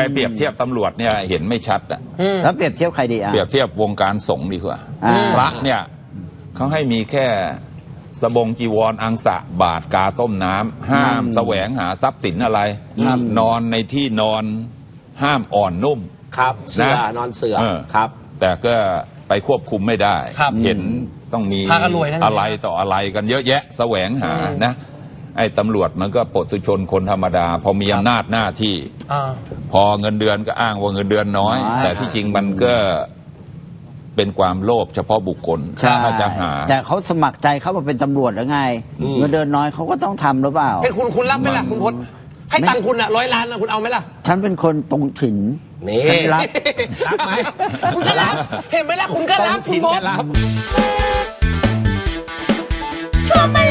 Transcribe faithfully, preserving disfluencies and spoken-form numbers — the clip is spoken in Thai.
เปรียบเทียบตำรวจเนี่ยเห็นไม่ชัดอ่ะแล้วเปรียบเทียบใครดีอ่ะเปรียบเทียบวงการสงฆ์ดีกว่าพระเนี่ยเขาให้มีแค่สบงจีวรอังสะบาทกาต้มน้ำห้ามแสวงหาทรัพย์สินอะไรนอนในที่นอนห้ามอ่อนนุ่มครับเสือนอนเสือครับแต่ก็ไปควบคุมไม่ได้เห็นต้องมีอะไรต่ออะไรกันเยอะแยะแสวงหานะไอ้ตำรวจมันก็ปุถุชนคนธรรมดาพอมีอำนาจหน้าที่พอเงินเดือนก็อ้างว่าเงินเดือนน้อยแต่ที่จริงมันก็เป็นความโลภเฉพาะบุคคลถ้าจะหาแต่เขาสมัครใจเข้ามาเป็นตำรวจหรือไงเงินเดือนน้อยเขาก็ต้องทำหรือเปล่าให้คุณคุณรับไหมล่ะคุณพจน์ให้ตังคุณอะร้อยล้านนะคุณเอาไหมล่ะฉันเป็นคนตรงถิ่นนี่รับรับไหมคุณก็รับเห็นไหมล่ะคุณก็รับคุณพจน์